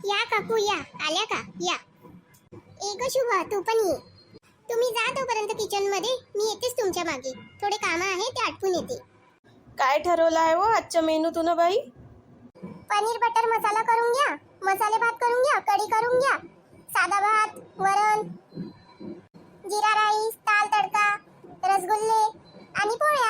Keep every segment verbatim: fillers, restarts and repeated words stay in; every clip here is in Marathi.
या काकू या, आल्या का? या. एक शुभा, तू पण ये. तुम्ही जा तोपर्यंत किचन मध्ये, मी येतेच तुमच्या मागे. थोडे काम आहे ते आटपून येते. काय ठरवलं आहे व आजच्या मेनू तुनं बाई? पनीर बटर मसाला करून घ्या, मसाले भात करून घ्या, कढी करून घ्या, साधा भात, वरण, जीरा राईस, दाल तडका, रसगुल्ले आणि पोळ्या.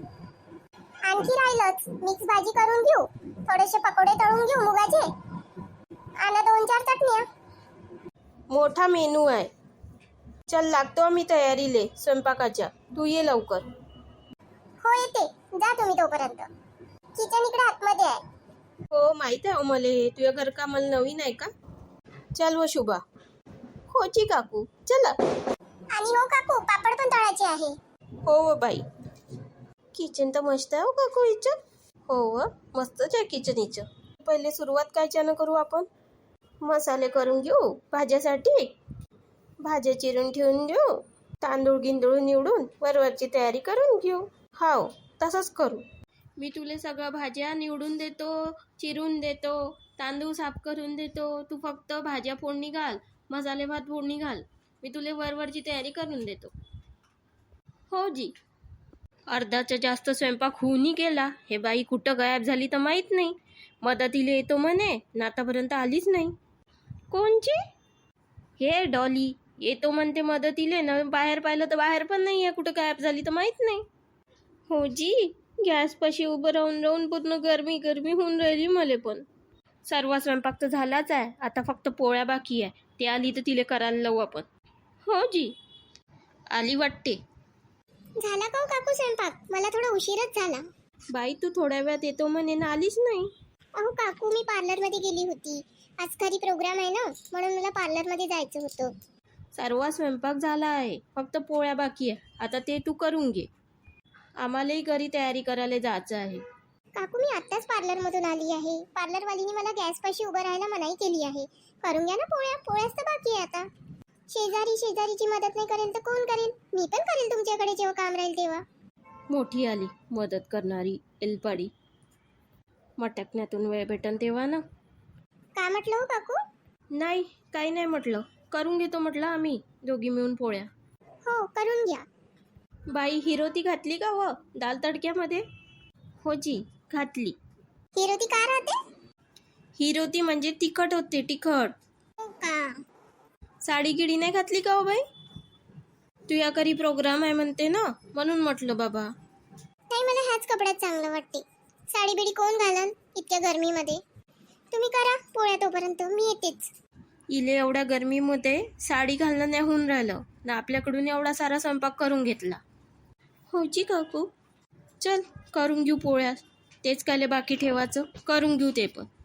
आणखी राहिलंच मिक्स भाजी करून घेऊ, थोडेसे पकोडे तळून घेऊ मुगाचे आणि दोन चार चटण्या. मोठा मेनू आहे. चल लागतो मी तयारीले स्वयंपाकाच्या. तू ये लवकर. हो येते, जा तुम्ही तोपर्यंत. किचन इकडे आतमध्ये आहे. हो माहित आहे मले, तुझ्या घर का मला नवीन आहे का? चल व शुभा. होची काकू चला. आणि हो काकू, पापड पण तळायचे आहे. हो व बाई. किचन तर मस्त आहे हो काकू हिचं. हो व मस्तच आहे किचन हिचं. पहिले सुरुवात कायच्यानं करू आपण? मसाले करून घेऊ भाज्यासाठी. भाज्या चिरून ठेवून घेऊ, तांदूळ गिंदूळ निवडून वरवरची तयारी करून घेऊ. हाव तसंच करू. मी तुले सगळ्या भाज्या निवडून देतो, चिरून देतो, तांदूळ साफ करून देतो. तू फक्त भाज्या फोडणी घाल, मसाले भात फोडणी घाल. मी तुले वरवरची तयारी करून देतो. हो जी. अर्धाचा जास्त स्वयंपाक होऊनही गेला. हे बाई कुठं गायब झाली तर माहीत नाही. मदतीला येतो म्हणे ना, आतापर्यंत आलीच नाही. कोणची? हे डॉली येतो म्हणते मदतीले ना, बाहेर पाहिलं तर बाहेर पण नाही आहे. कुठं गायब झाली तर माहीत नाही. हो जी. गॅसपाशी उभं राहून राहून पूर्ण गरमी गरमी होऊन राहिली मला पण. सर्व स्वयंपाक तर झालाच आहे, आता फक्त पोळ्या बाकी आहे. ते आली तर तिला करायला लावू आपण. हो जी. आली वाटते. झाला का हो काकू स्वयंपाक? मला थोडा उशीरच झाला. बाई तू थोड्या वेळात येतो म्हणे ना, आलीच नाही. अहो काकू, मी पार्लरमध्ये गेली होती. आज घरी प्रोग्राम आहे ना, म्हणून मला पार्लरमध्ये जायचं होतं. सर्व स्वयंपाक झाला आहे, फक्त पोळ्या बाकी आहे. आता ते तू करून घे. आम्हालाही घरी तयारी करायला जायचं आहे. काकू, मी आत्ताच पार्लरमधून आली आहे. पार्लरवालीने मला गॅसपाशी उभं राहायला मनाई केली आहे. करून घ्या ना पोळ्या. पोळ्याच तर बाकी आहे आता. शेजारी शेजारीची मदत नाही करेल तर कोण करेल? मी पण करेल तुमच्याकडे जेव्हा काम राहील तेव्हा. मोठी आली मदत करणारी एलपाडी. मटकण्यातून वेळ भेटन तेव्हा ना. का म्हटलं हो काकू? नाही काही नाही म्हटलं, करून घेतो म्हटलं आम्ही दोघी मिळून पोळ्या. हो करून घ्या. बाई हिरोती घातली का व दाल तडक्यामध्ये? हो जी घातली. हिरोती का राहते? हिरोती म्हणजे तिखट होते, तिखट. हो का? साडी गिडी नाही घातली का हो बाई? तुझ्या घरी प्रोग्राम आहे म्हणते ना, म्हणून म्हटलं बाबा. नाही, मला ह्याच कपड्यात चांगलं वाटते. साडी बिडी कोण घालन इतक्या गरमीमध्ये? तुम्ही करा पोळ्या तोपर्यंत, मी येतेच. इले एवढ्या गरमीमध्ये साडी घालणं नाही होऊन राहिलं ना, आपल्याकडून एवढा सारा स्वयंपाक करून घेतला. होची काकू. चल करून घेऊ पोळ्या. तेच काले बाकी ठेवायचं, करून घेऊ ते पण.